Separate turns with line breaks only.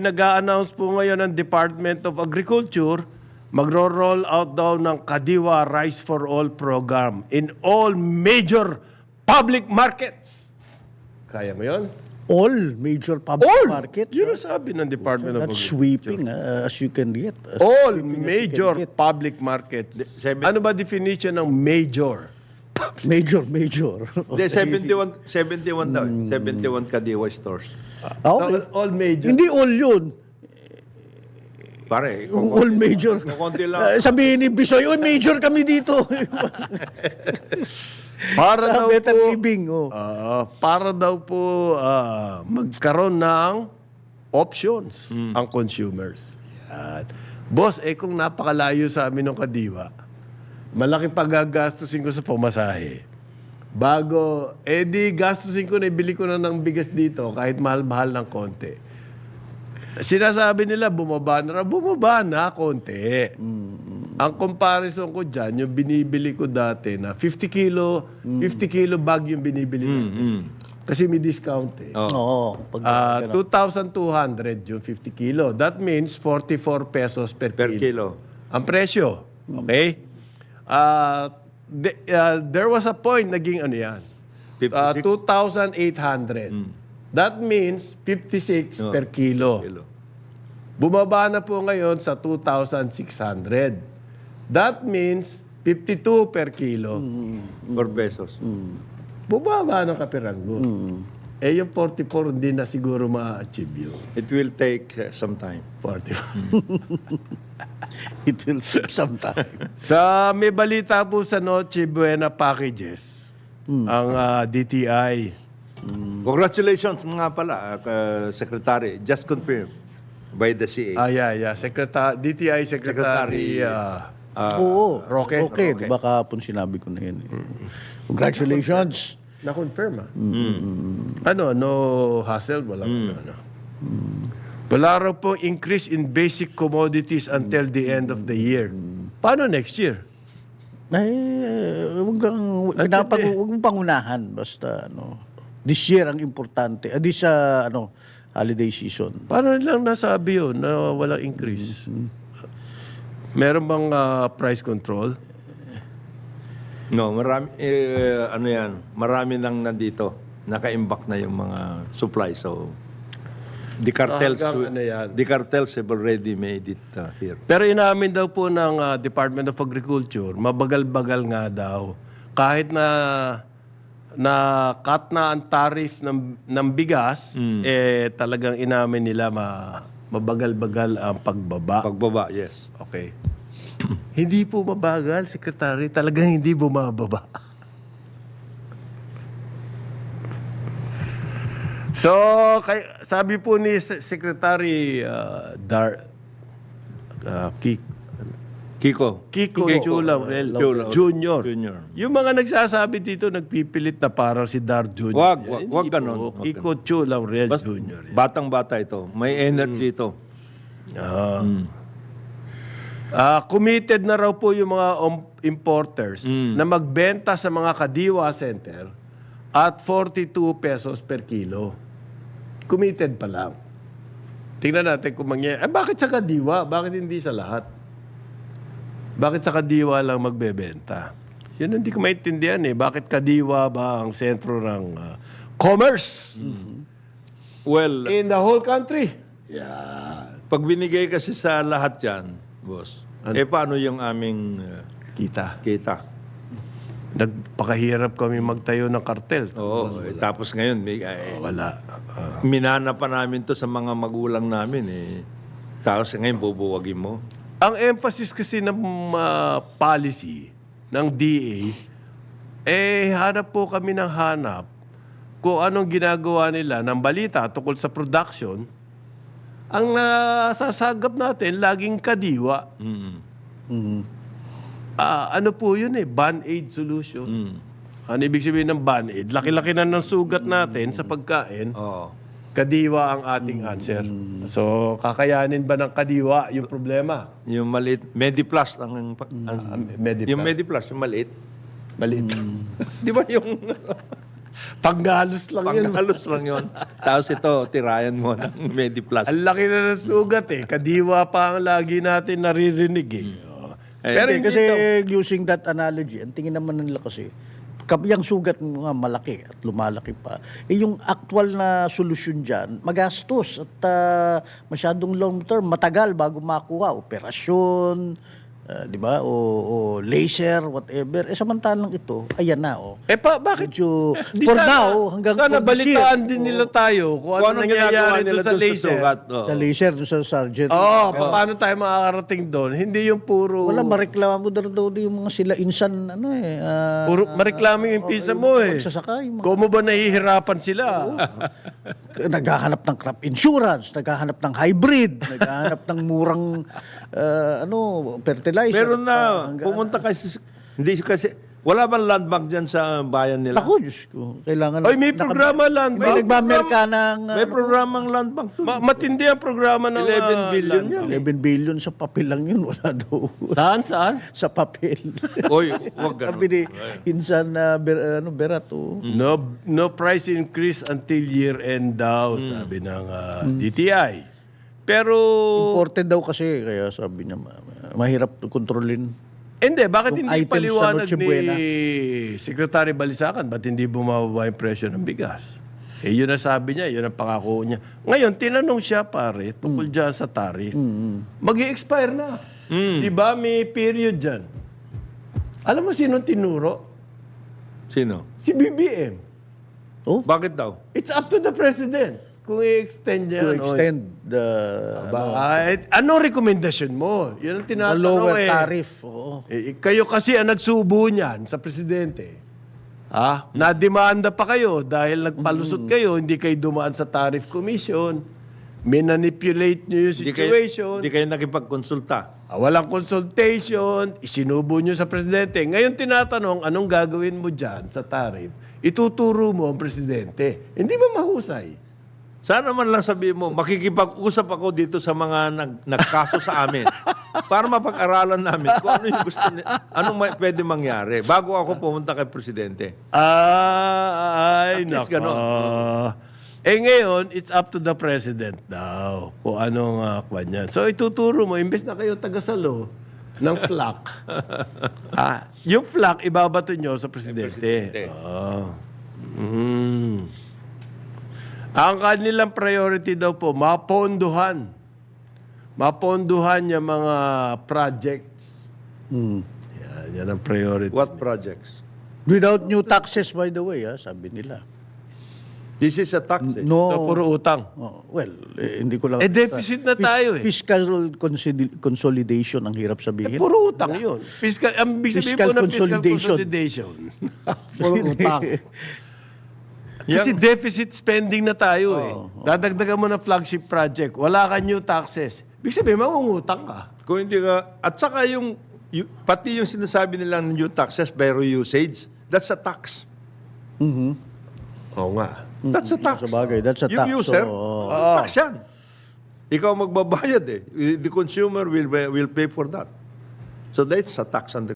nag-a-announce po ngayon ng Department of Agriculture, magro-roll out daw ng Kadiwa Rice for All program in all major public markets. Kaya mo yun?
All major public markets.
Yun ang sabi ng Department of
That's
Agriculture.
sweeping as you can get.
All
Sweeping as you can
major
get.
public markets. Ano ba definition ng major?
Major.
Hindi, 71 daw. 71 Kadiwa stores.
Okay.
All major.
Hindi all yun.
Pare,
Kung all major.
kung konti lang.
Sabihin ni Bisoy, oh, major kami dito.
Para daw
Better
po,
living. Oh.
para daw po magkaroon ng options ang consumers. Yan. Boss, kung napakalayo sa amin ng Kadiwa, malaki pagagastusin ko sa pamasahe. Bago, di gastusin ko na, ibili ko na ng bigas dito kahit mahal-mahal ng konti. Sinasabi nila, bumaba na konti. Ang comparison ko dyan, yung binibili ko dati na 50 kilo bag yung binibili natin. Kasi may discount eh.
Oo. Pag,
2,200 yung 50 kilo. That means 44 pesos per kilo. Ang presyo. Okay? There was a point naging ano yan. 2,800. That means 56 per kilo. Bumaba na po ngayon sa 2,600. That means 52 per kilo.
4 pesos.
Bumaba ng kapiranggo. Yung 44 hindi na siguro ma-achieve yun.
It will take some time.
44.
it will take some time.
May balita po sa Noche Buena Packages, ang DTI.
Congratulations nga pala, Secretary. Just confirmed by the CA.
Yeah. DTI Secretary
Oo.
Roque.
Okay. Diba kahapon sinabi ko na yun. Congratulations.
Na-confirm no hassle, walang ano. Wala raw po increase in basic commodities until the end of the year. Paano next year?
Huwag mong pangunahan. Basta, this year ang importante. This, holiday season.
Paano nilang nasabi yun na walang increase? Meron bang price control?
No, marami, marami nang nandito. Naka-imbak na yung mga supply. So, the cartels have already made it here.
Pero inamin daw po ng Department of Agriculture, mabagal-bagal nga daw. Kahit na cut na ang tariff ng bigas, talagang inamin nila mabagal-bagal ang pagbaba.
Pagbaba, yes.
Okay. Hindi po mabagal, Secretary. Talagang hindi bumababa. So, sabi po ni Secretary Kiko Chulaurel Jr. Yung mga nagsasabi dito, nagpipilit na parang si Dar Jr.
Wag ganon.
Kiko Chulaurel Jr.
Batang-bata ito. May energy ito.
Committed na raw po yung mga importers na magbenta sa mga Kadiwa Center at 42 pesos per kilo. Committed pa lang. Tingnan natin kung mangyayari. Bakit sa Kadiwa? Bakit hindi sa lahat? Bakit sa Kadiwa lang magbebenta? Yun hindi ko maintindihan eh. Bakit Kadiwa ba ang sentro ng commerce?
Well,
In the whole country? Yeah.
pag binigay kasi sa lahat yan, boss, paano yung aming
Kita.
kita?
Nagpakahirap kami magtayo ng kartel.
Oo, tapos ngayon,
Wala.
minana pa namin to sa mga magulang namin Tapos ngayon, bubuwagin mo.
Ang emphasis kasi ng policy ng DA, hanap po kami ng hanap kung anong ginagawa nila ng balita tungkol sa production. Ang nasasagap natin, laging Kadiwa. Ano po yun Band-Aid solution. Ano ibig sabihin ng Band-Aid? Laki-laki na ng sugat natin sa pagkain. Kadiwa ang ating answer. So, kakayanin ba ng Kadiwa yung problema?
Yung maliit, Mediplus
Mediplus.
Yung Mediplus, yung maliit.
Maliit.
Di ba yung
Panggalos lang yun.
Panghalos lang yun. Tapos ito, tirayan mo ng MediPlus.
Ang laki na ng sugat eh. Kadiwa pa ang lagi natin naririnig eh. Oh. Pero
Hindi,
hindi
kasi
ito.
using that analogy, ang tingin naman nila kasi, yung sugat nga malaki at lumalaki pa. Yung actual na solusyon dyan, magastos at masyadong long term, matagal bago makuha. Operasyon, di ba? O laser, whatever. Samantalang ito, ayan na.
Bakit?
Medyo,
Di
for
sana-
now, hanggang
sana
for this year.
balitaan din nila tayo kung ano
Anong ginagawa
nangyayari
nila
doon sa
doon sa
laser.
sugat? Oo.
Sa laser, doon sa sergeant.
Paano tayo makakarating doon? Hindi yung puro...
Wala, mareklamo daw yung mga sila insan,
Puro mareklamo yung pisa mo eh.
magsasaka, yung mga-
Kung mo ba nahihirapan sila?
naghahanap ng crop insurance, naghahanap ng hybrid, naghahanap ng murang fertilizer.
Meron na, pumunta kasi, hindi kasi, wala bang land bank dyan sa bayan nila?
Ako, Diyos ko. Kailangan...
Ay, may programa land
May
bank.
nagmamerka ng...
May programang land bank to.
Matindi ang programa ng...
11 billion yan.
11 billion sa papel lang yun. Wala daw.
Saan?
sa papel.
Oy, wag
Sabi
ganun.
ni Insan Berato.
No price increase until year end daw, sabi ng DTI. Pero...
Imported daw kasi. Kaya sabi niya, mahirap kontrolin.
Hindi, bakit
Yung
hindi
items sa
paliwanag
Noche
ni
Buena.
Secretary Balisacan? Ba't hindi bumababa yung presyo ng bigas? Yun ang sabi niya, yun ang pangako niya. Ngayon, tinanong siya, pare, tungkol dyan sa tariff. Mag-i-expire na. Diba may period dyan? Alam mo sino tinuro?
Sino?
Si BBM.
Bakit daw?
It's up to the President kung i-extend niya.
To extend the
Anong rekomendasyon mo? Yun ang tinatanong
lower
eh.
tariff. Oo.
Kayo kasi ang nagsubo niyan sa presidente. Nademanda pa kayo dahil nagpalusot kayo, hindi kayo dumaan sa tariff commission. Minanipulate niyo yung situation.
Hindi kayo nakipagkonsulta.
Walang consultation, isinubo niyo sa presidente. Ngayon tinatanong, anong gagawin mo dyan sa tariff? Ituturo mo ang presidente. Hindi ba mahusay?
Sana man lang sabihin mo, makikipag-usap ako dito sa mga nagkaso sa amin para mapag-aralan namin kung ano yung gusto anong pwede mangyari bago ako pumunta kay Presidente.
Ay,
At least
nako.
ganon.
Ngayon, it's up to the president daw kung anong kwan yan. So, ituturo mo, imbes na kayo tagasalo ng flak. Yung flak, ibabato nyo sa presidente. Ang kanilang priority daw po, maponduhan. Maponduhan yung mga projects. Yan ang priority.
What projects?
Without new taxes, by the way, sabi nila.
This is a tax. Eh.
No.
So, puro utang.
Hindi ko lang...
Deficit na tayo eh.
Fiscal consolidation, ang hirap sabihin.
Puro utang yun. Ang big sabihin
Fiscal
po ng fiscal
consolidation.
consolidation. Puro utang. Kasi deficit spending na tayo eh. Dadagdagan mo ng flagship project. Wala ka new taxes. Big sabihin, mangungutang ka.
Kung hindi ka, at saka pati yung sinasabi nilang new taxes by usage, that's a tax.
Oo nga.
That's a tax.
Sa bagay, that's a tax.
Yung user,
So,
tax yan. Ikaw magbabayad eh. The consumer will pay for that. So that's a tax on the